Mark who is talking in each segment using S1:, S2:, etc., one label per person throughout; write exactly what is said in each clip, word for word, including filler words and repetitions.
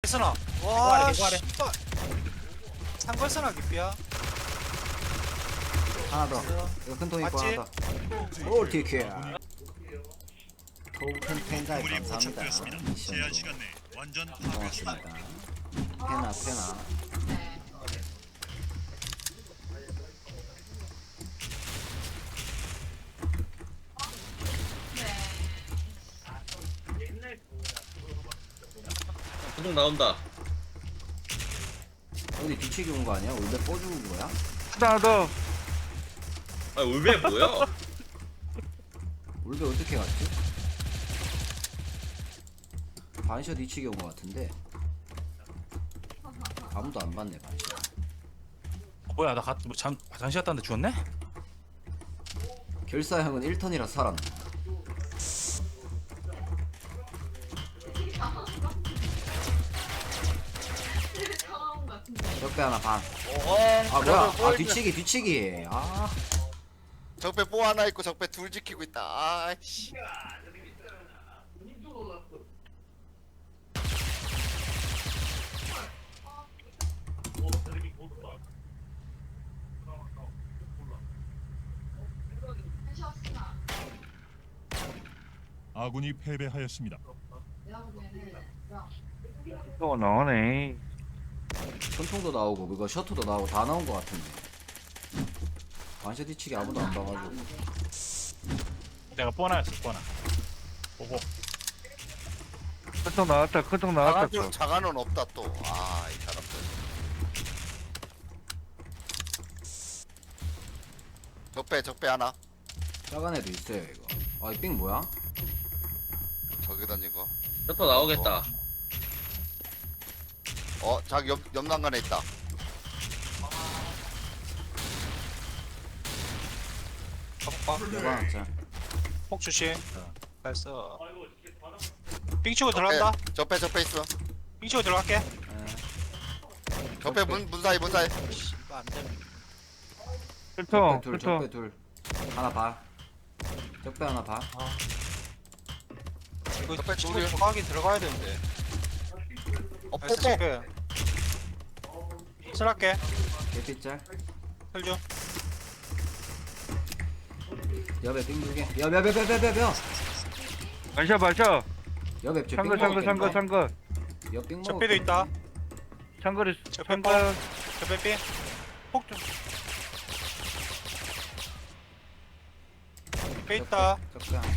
S1: 쓰나?
S2: 와,
S1: 개구하래, 개구하래.
S2: 씨발. 상걸스나 깊이야.
S3: 하나 더. 이거 큰 통 있고
S2: 맞지?
S3: 하나 더. 오 티켓. 토큰 팬가이
S4: 물이
S3: 감사합니다.
S4: 포착되었습니다. 제한
S3: 미션으로
S4: 시간 내 완전 파괴.
S3: 고맙습니다. 페나 페나.
S5: 구독 나온다.
S3: 어디 뒤치기 온 거 아니야? 울베 뽀준 거야?
S6: 하나 더.
S5: 아 울베 뭐야?
S3: 울베 어떻게 갔지? 반셔 뒤치기 온 거 같은데 아무도 안 봤네 반셔.
S1: 어, 뭐야 나 가, 뭐, 잠, 화장실 갔다 왔는데 죽었네?
S3: 결사형은 일 턴이라 살았네. 적배 하나 반. 아 뭐야? 아 뒤치기 뒤치기. 아
S7: 적배 뽀 하나 있고 적배 둘 지키고 있다. 아이씨.
S4: 아군이 패배하였습니다.
S6: 또 나오네.
S3: 손통도 나오고 그거 셔터도 나오고 다 나온 거 같은데. 반셔 뒤치기 아무도 안 봐가지고.
S1: 내가 뻔하였어 뻔하. 보고.
S6: 큰통 나왔다. 큰통 나왔다. 또.
S7: 자간은 자간은 없다 또. 아, 이 사람들. 적배 적배 하나.
S3: 작은 애도 있어요 이거. 아 이 삥 뭐야?
S7: 저기 던진 거.
S5: 셔터 나오겠다.
S7: 어, 자기 옆 옆난간에 있다.
S2: 가볼까?
S3: 내가 하나
S2: 폭 주심. 나이스. 삥 치고 들어간다.
S7: 적배 적배 있어.
S2: 삥 치고 들어갈게.
S3: 네.
S7: 적배 문 문 사이 문 사이.
S2: 씨발 안 돼.
S6: 큰통.
S3: 적배 둘
S6: 큰통.
S3: 적배 둘. 하나 봐. 적배 하나 봐.
S2: 이거
S7: 적배
S2: 치고
S7: 둘이야.
S2: 들어가긴 들어가야 되는데.
S7: 어,
S2: 나이스
S7: 뽀뽀.
S2: 체크. 슬할게.
S3: 개피짤.
S2: 혈 줘.
S3: 옆에 삥 두 개. 옆옆옆옆옆옆.
S6: 반샷 반샷.
S3: 옆에 저
S6: 창거 창거 창거 창거.
S3: 옆삥
S2: 적배도 있다.
S6: 창거리
S2: 저
S6: 창거.
S2: 저 빼빼. 폭 좀. 빼 있다.
S3: 적배 하나.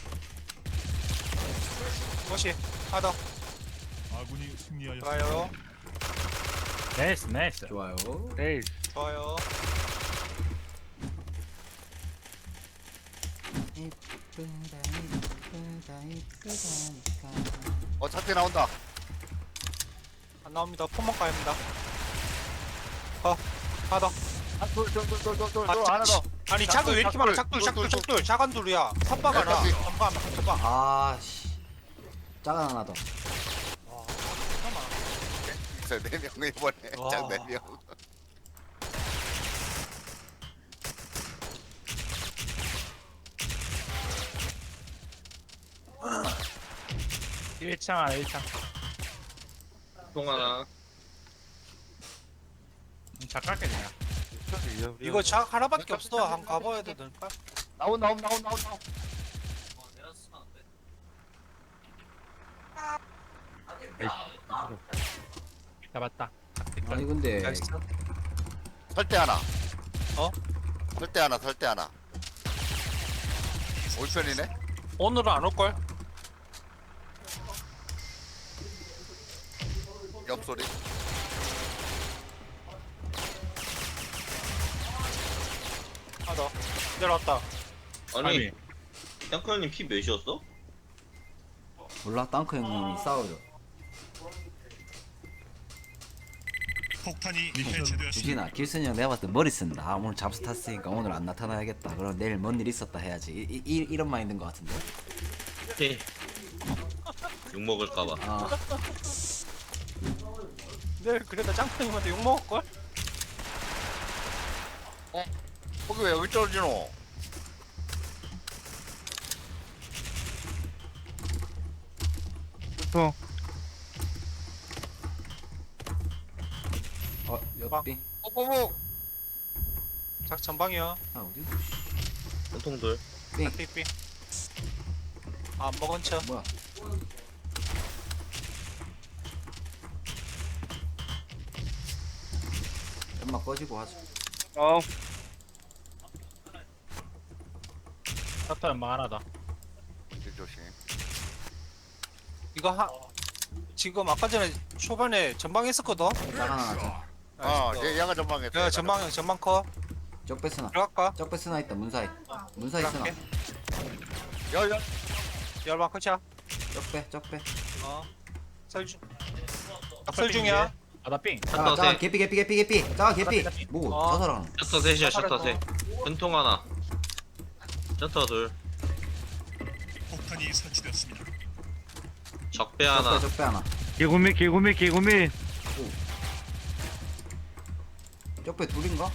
S2: 멋이. 하나 더.
S4: 아군이 승리하였습니다.
S2: 좋아요.
S1: 나이스 나이스.
S3: 좋아요.
S6: 에이.
S2: 좋아요.
S3: 이쁘다 이쁘다 이쁘다니까.
S7: 어, 차트 나온다.
S2: 안 나옵니다. 포먹 가야합니다. 어. 하나 더.
S7: 아, 돌돌돌돌돌돌
S2: 아,
S7: 하나 더.
S2: 아니 작은 왜 이렇게 많아? 작둘
S7: 작돌,
S2: 작둘
S7: 돌,
S2: 작둘 작은 둘이야. 섭박 하나.
S7: 작돌.
S2: 섭박 하나. 섭박.
S3: 아씨. 작은 하나 더.
S2: 와. 잠깐만.
S7: 네 명이 이번에
S2: 와.
S7: 짝네 명.
S1: 일 창 하나 일 창.
S5: 통 하나.
S1: 작갈게 그냥.
S2: 이거 작 하나밖에 없어. 한 가봐야 되니까.
S7: 나온 나온 나온 나온 나온.
S1: 잡았다.
S3: 아니 근데
S2: 나이스.
S7: 설대 하나.
S2: 어?
S7: 설대 하나 설대 하나. 올 편이네.
S2: 오늘은 안 올걸?
S7: 옆소리.
S2: 하나 더. 내려왔다.
S5: 아니 탱크 형님 피 몇이었어?
S3: 몰라 땅크 형님이 싸우죠.
S4: 폭탄이 해체되었습니다.
S3: 주진아 길순이 형 내가 봤을 때 머리 쓴다. 아, 오늘 잡스 탔으니까 오늘 안 나타나야겠다. 그럼 내일 뭔 일 있었다 해야지. 이, 이, 이런 마인드인 것 같은데.
S5: 오케이. 욕 먹을까봐.
S3: 아
S2: 내일 그래도 짱크님한테 욕 먹을걸?
S7: 거기 왜 여기 떨어지노?
S6: 큰통.
S3: 어 옆비.
S7: 뽀뽀뽀.
S2: 작 전방이요.
S3: 아 어디?
S5: 전통들.
S3: 삥.
S2: 삐삐. 아 먹은 척.
S3: 뭐야? 연막 꺼지고 하자.
S6: 어
S1: 셔터 연막 하나다.
S7: 길 조심.
S2: 이거 하 지금 아까 전에 초반에 전방 했었거든.
S3: 짝 하나 하자.
S7: 어, 얘 양아 전방에.
S2: 야 전방 전방 커
S3: 적배 스나.
S2: 들어갈까?
S3: 적배 스나 있다. 문사이. 문사이 스나.
S2: 들어갈게.
S7: 야야.
S2: 열방 커차.
S3: 적배 적배.
S2: 어. 설중. 설 중이야.
S1: 아나 삥.
S3: 자, 자, 개피 개피 개피 개피. 자, 개피. 뭐
S2: 어.
S3: 자살하는.
S5: 셔터 셋이야
S2: 셔터
S5: 셔터 셋. 전통 하나. 셔터 둘.
S4: 폭탄이 설치되었습니다.
S5: 적배
S3: 적배
S5: 하나.
S3: 적배 하나.
S6: 개구미 개구미 개구미
S3: 적배 둘인가?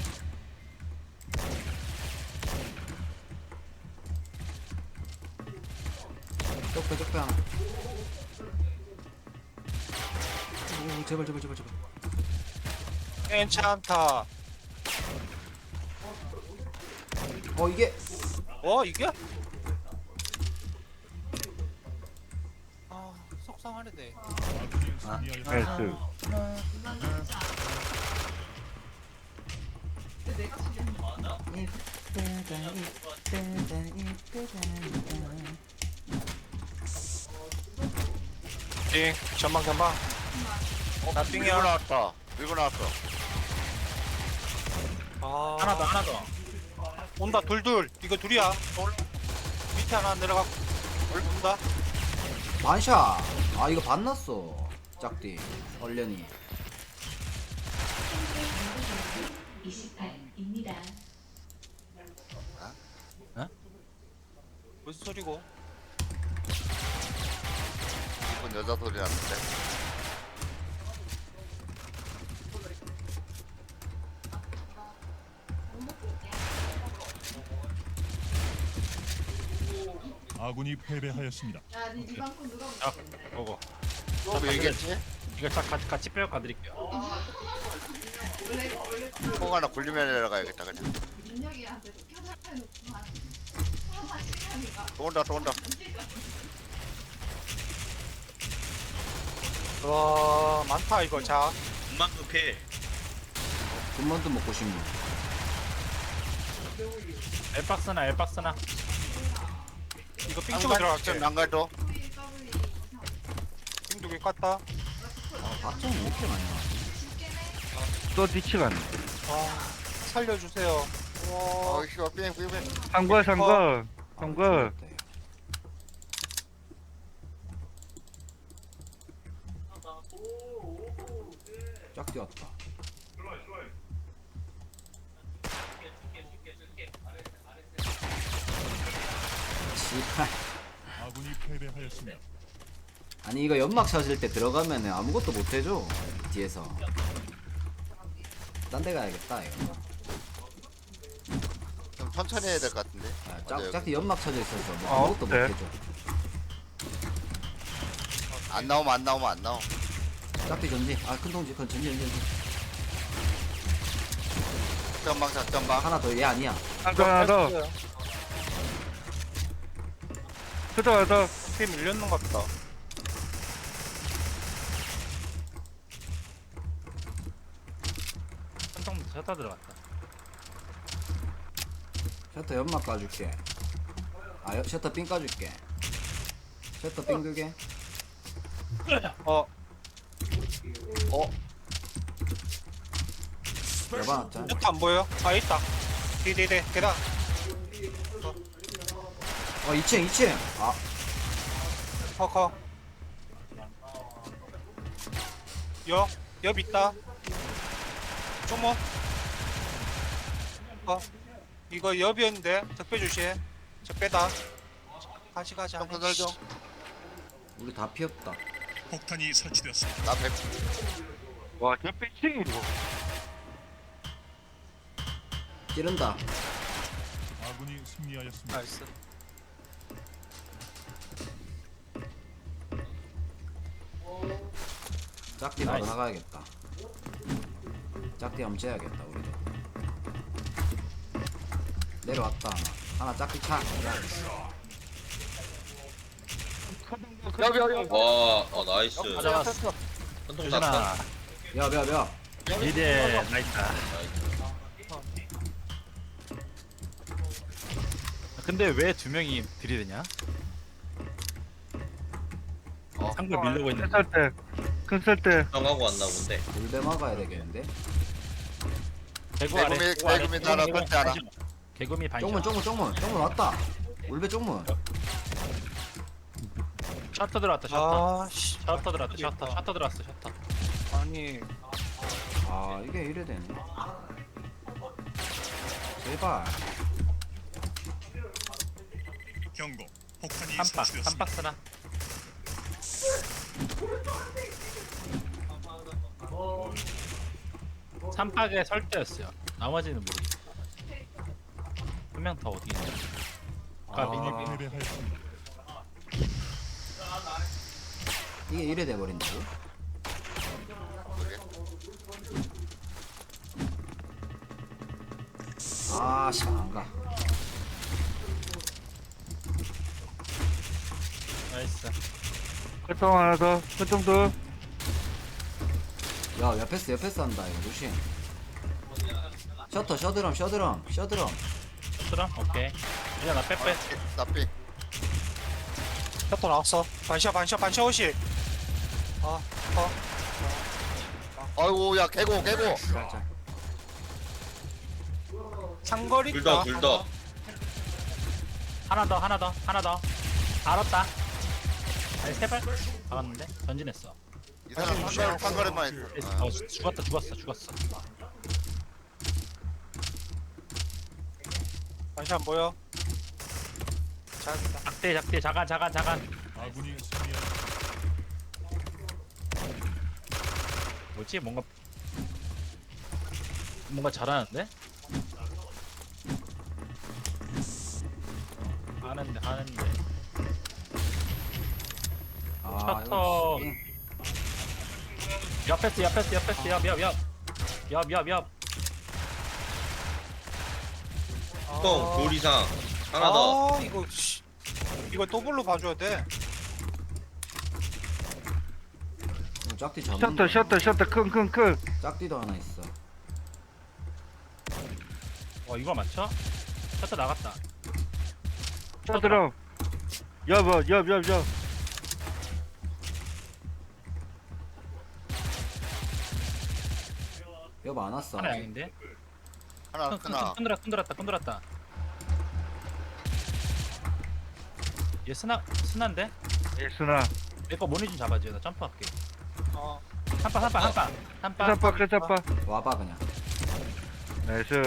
S3: 적배 적배 하나. 오 제발 제발 제발 제발.
S2: 괜찮다.
S3: 어 이게
S2: 어 이게? 아 속상하네. 네.
S4: 아군이 승리하였습니다.
S6: 나이스
S2: 띵 전방 전방. 나
S7: 밀고
S2: 띵이야.
S7: 나왔다. 밀고 나왔어.
S2: 아
S1: 하나 더 하나 더.
S2: 온다 둘둘. 이거 둘이야. 올라. 밑에 하나 내려가. 온다.
S3: 반샷. 아 이거 반났어. 짝띠 얼련이.
S8: 이십팔입니다.
S2: 무슨 소리고?
S7: 이쁜 여자 소리 났는데.
S4: 아군이 패배하였습니다.
S8: 야, 니 리방콘 누가
S1: 아, 보고.
S7: 또 얘기했지?
S1: 이거 딱 같이 같이 빼어 가드릴게요.
S8: 원래 원래
S7: 콩 하나 굴리면 내려가야겠다 그냥.
S8: 민혁이한테 켜달해놓고만 하나 시간이가
S7: 또 온다 또 온다.
S2: 와 많다 이거. 자
S5: 금방 급해.
S3: 군만두 먹고 싶네.
S1: 엘박스나 엘박스나.
S2: 이거 삥 쪽으로 들어갈게.
S7: 난가도.
S8: W W
S2: 삥 두개 깠다.
S3: 아 박정이 왜 이렇게 많이 나?
S6: 또 뒤치가 네
S2: 아 살려주세요. 와
S7: 어, 씨발 삥삥삥.
S6: 상거 상거 상거
S3: 짝띠 왔다. 씨발.
S4: 아군이 패배하였습니다.
S3: 아니 이거 연막 찾을 때 들어가면은 아무것도 못 해줘 뒤에서. 딴 데 가야겠다 이거.
S7: 좀 천천히 해야 될 것 같은데.
S3: 아,
S7: 맞아요.
S3: 짝 짝띠 연막 찾아 있어서 뭐
S6: 어,
S3: 아무것도 못
S6: 네.
S3: 해줘.
S7: 안 나오면 안 나오면 안 나오.
S3: 짝띠 전지. 아큰 동지 그 전지 전지 전지.
S7: 작전방 작전방.
S3: 하나 더 얘 아니야.
S6: 상거 하나 더 셔터 하나 더
S2: 삥 밀렸는 것 같다.
S1: 한통 셔터 들어갔다.
S3: 셔터 연막 까줄게. 아 여- 셔터 삥 까줄게. 셔터 삥 두개.
S2: 어
S7: 어?
S3: 열받았자.
S2: 이것도 안 보여? 아 있다. 디디디 계단.
S3: 어 이 층 이 층. 아
S2: 커커. 옆, 옆 있다. 쪼모. 어, 이거 옆이었는데 적배 조심. 적배다. 다시 가자.
S7: 점프 설정.
S3: 우리 다 피었다.
S4: 폭탄이 설치되었습니다.
S7: 나 백.
S6: 와저 삐칭이 이거
S3: 찌른다.
S4: 아군이 승리하였습니다.
S2: 나이스.
S3: 짝띠 바로
S1: 나이스.
S3: 나가야겠다. 짝띠 한번 째야겠다 우리도. 내려왔다 하나. 하나 짝띠 차.
S7: 여기 여기 여기.
S5: 와, 어 나이스.
S1: 가져갔어.
S5: 전통 다
S1: 유진아.
S3: 야, 야, 야.
S1: 이제 나이스. 근데 왜 두 명이 들이대냐?
S3: 어.
S1: 상글 밀려고 있는데.
S6: 큰살 때. 큰살 때.
S5: 정하고 왔나 본데.
S3: 물배 막아야 되겠는데.
S1: 개구 아래.
S7: 개구미,
S1: 개구 아래,
S7: 개구미
S1: 개구,
S7: 하나,
S1: 개구,
S7: 번째 하나.
S1: 반샷. 개구미 반샷.
S3: 쪽문, 쪽문, 쪽문. 쪽문 왔다. 물배 쪽문.
S1: 셔터 들어왔다. 셔터.
S2: 아씨
S1: 셔터 들어왔다. 셔터. 셔터 들어왔어. 셔터.
S2: 아니
S3: 아, 이게 이래 되네. 제발.
S4: 경고. 폭탄이
S1: 한 박. 한
S4: 설치되었습니다.
S1: 박스나. 삼박에 설대였어요. 나머지는 모르겠어. 한 명 더 어디 있냐? 아,
S4: 아군이
S1: 미니 미니.
S4: 패배하였습니다.
S3: 이게 이래 돼버린다고? 아, 씨, 안 가.
S1: 나이스.
S6: 큰통 하나 더. 큰통 더.
S3: 야, 옆에서 옆에서 한다, 이거 조심. 셔터, 셔드럼, 셔드럼, 셔드럼.
S1: 들어? 오케이. 이제 나 빼빼.
S7: 나삐.
S2: 셔터 나왔어 반샷 반샷 반샷 오시 아 어.
S7: 아이고 야 개고 개고.
S3: 자, 자.
S2: 상거리
S5: 둘 더, 둘 더.
S1: 하나 더, 하나 더, 하나 더. 알았다. 아니 세 발? 박았는데? 전진했어.
S7: 이 사람 상거리 상거리만 있어.
S1: 어 죽었다, 죽었어, 죽었어.
S2: 반샷 뭐야 잘했다
S1: 작대, 작대, 자간, 자간, 자간.
S4: 아군이 승리하였습니다.
S1: 뭐지? 뭔가 뭔가 잘하는데? 하는데, 하는데.
S3: 아,
S1: 셔터.
S3: 이거 씨.
S1: 옆에스, 옆에스, 옆에스, 옆, 옆, 옆, 옆, 옆, 옆.
S5: 똥, 둘 이상. 하나 더.
S2: 아 이거 씨 이거 더블로 봐줘야 돼
S3: 이거 짝띠 잡는
S6: 셔터,
S3: 거야.
S6: 셔터, 셔터. 큰, 큰, 큰.
S3: 짝띠도 하나 있어.
S1: 어, 이거 맞춰? 셔터 나갔다.
S6: 셔터럼. 옆, 어, 옆, 옆, 옆.
S3: 여보 안 왔어.
S1: 하나 양인데?
S7: 하나
S1: 큰, 큰,
S7: 하나.
S1: 큰, 들었다, 큰 들었다, 큰 들었다. 얘 스나, 스나인데?
S6: 예스나.
S1: 내거 모니 좀 잡아줘. 나 점프할게.
S2: 어
S1: 한파, 한파, 한파, 한파.
S6: 끝잡아, 끝잡아.
S3: 와봐 그냥.
S6: 나이스.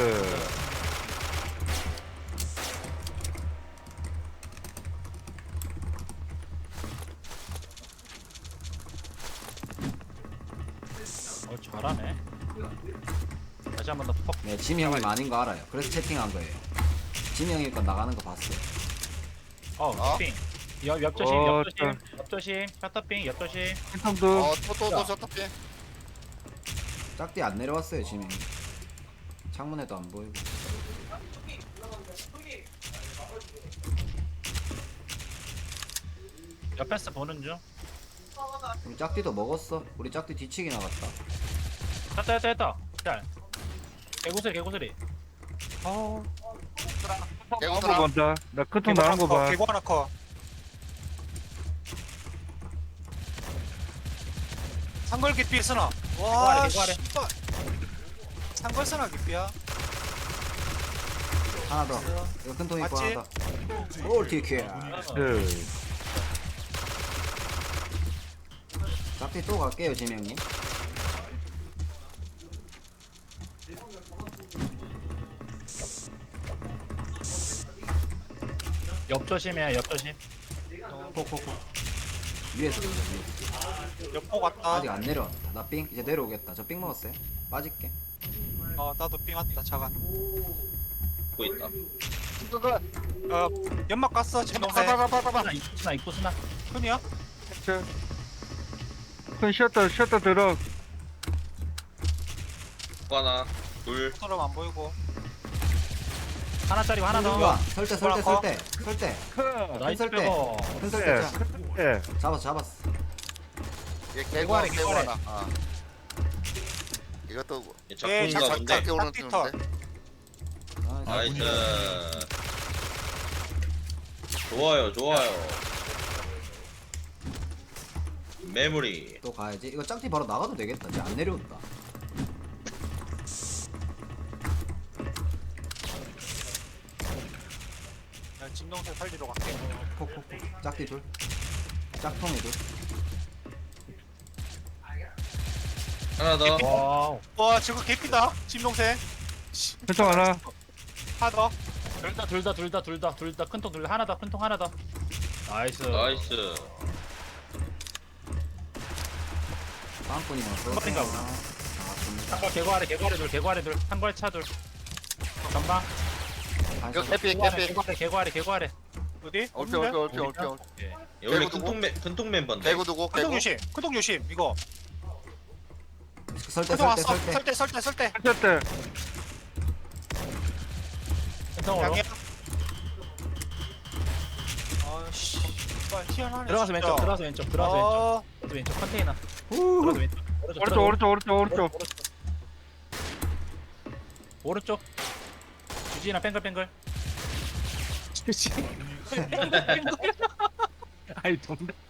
S1: 어, 잘하네. 다시 한 번 더 퍽.
S3: 네, 지미 형이 아닌 거 알아요. 그래서 채팅한 거예요. 지미 형이 거 나가는 거 봤어요.
S1: 어,
S7: 어?
S1: 삥. 옆, 옆조심,
S6: 어,
S1: 옆조심, 옆조심, 셔터삥, 옆조심.
S6: 큰통 더.
S7: 어또또또 셔터피.
S3: 짝띠 안 내려왔어요, 지미 형이. 창문에도 안 보이고.
S1: 옆에서 보는 중.
S3: 우리 짝띠도 먹었어. 우리 짝띠 뒤치기 나갔다.
S1: 했다, 했다, 했다. 잘. 개구슬, 개구슬이.
S2: 어
S7: 개고
S6: 한번
S7: 사람.
S6: 본다. 나 큰통 나온 거 봐.
S2: 개고 하나 커 상걸 깊이 쓰나 와
S1: 개고 아래.
S2: 씨발 상걸 쓰나 깊이야
S3: 하나 더. 이거 큰 통 있고
S2: 맞지?
S3: 하나 더. 롤티킬.
S6: 그.
S3: 짝띠 또 갈게요, 지미 형님.
S1: 옆조심이야, 옆조심.
S3: 폭폭폭. 위에서 돌려, 위에서.
S2: 옆보 갔다
S3: 아직 안 내려왔다. 나 삥 이제 내려오겠다. 저 삥 먹었어요. 빠질게.
S2: 어 나도 삥 왔다 자간
S5: 보고 있다.
S2: 어 연막 갔어 지금 동생
S1: 스나, 입구 스나, 입구 스나.
S2: 큰이야?
S6: 큰 셔터, 셔터 들어.
S5: 복구 하나 둘
S2: 사람 안 보이고.
S1: 하나짜리 하나
S3: 누가
S1: 더.
S3: 설대 설대 설대 설대
S1: 나이스
S3: 설대.
S1: 빼고.
S3: 큰 설대 자,
S6: 예.
S3: 잡았어 잡았어.
S7: 얘 개고 하나
S1: 개구아래,
S7: 개고
S1: 개구아래.
S7: 하나. 아. 이것도
S2: 예,
S5: 작품인가
S2: 작-
S5: 본데
S7: 작게 오는
S2: 짝피터.
S7: 뜨는데.
S3: 아,
S5: 나이스 좋아요 좋아요 메모리
S3: 또 가야지. 이거 짝티 바로 나가도 되겠다. 이제 안 내려온다.
S2: 야, 진동생 살리러 갈게.
S3: 콕콕콕. 짝티 둘. 짝통이 둘.
S5: 하나 더
S1: 와우.
S2: 와, 저거 개피다. 진동생.
S6: 큰통 하나.
S2: 하나 더.
S1: 둘다 둘 다 둘 다 둘 다 둘 다 큰 통 둘 다 하나 더 큰 통 하나 더. 나이스.
S5: 나이스
S3: 빵꾼이랑
S1: 한발인가 보다.
S3: 아,
S1: 한발 개구 아래 개구 아래 둘 개구 아래 둘 한발 차 둘. 전방.
S7: 이거
S3: 좋네.
S7: 개피
S1: 개구 아래
S7: 개피.
S1: 개구 아래 개구 아래 개구 아래.
S2: 어디?
S7: 올피 올피 올피 올피 올피.
S1: 예.
S5: 얘 원래
S7: 개구
S5: 큰통 멤 큰통 멤버인데
S7: 개구 두고
S2: 큰통
S7: 개구.
S2: 조심. 큰통 조심. 이거.
S3: 설대
S2: 큰통
S3: 설대
S2: 왔어.
S3: 설대.
S2: 설대 설대 설대.
S6: 쳤대.
S1: 큰 통으로.
S2: 양해. 아씨. 희한하네.
S1: 들어가서 왼쪽
S2: 진짜.
S1: 들어가서 왼쪽 들어가서 왼쪽.
S2: 어,
S1: 들어가서 왼쪽 컨테이너.
S3: 후.
S1: 들어가서 왼쪽.
S6: 오른쪽 오른쪽 오른쪽 오른쪽.
S1: 오른쪽. 주진아 뱅글뱅글. 주진. 아니 정답.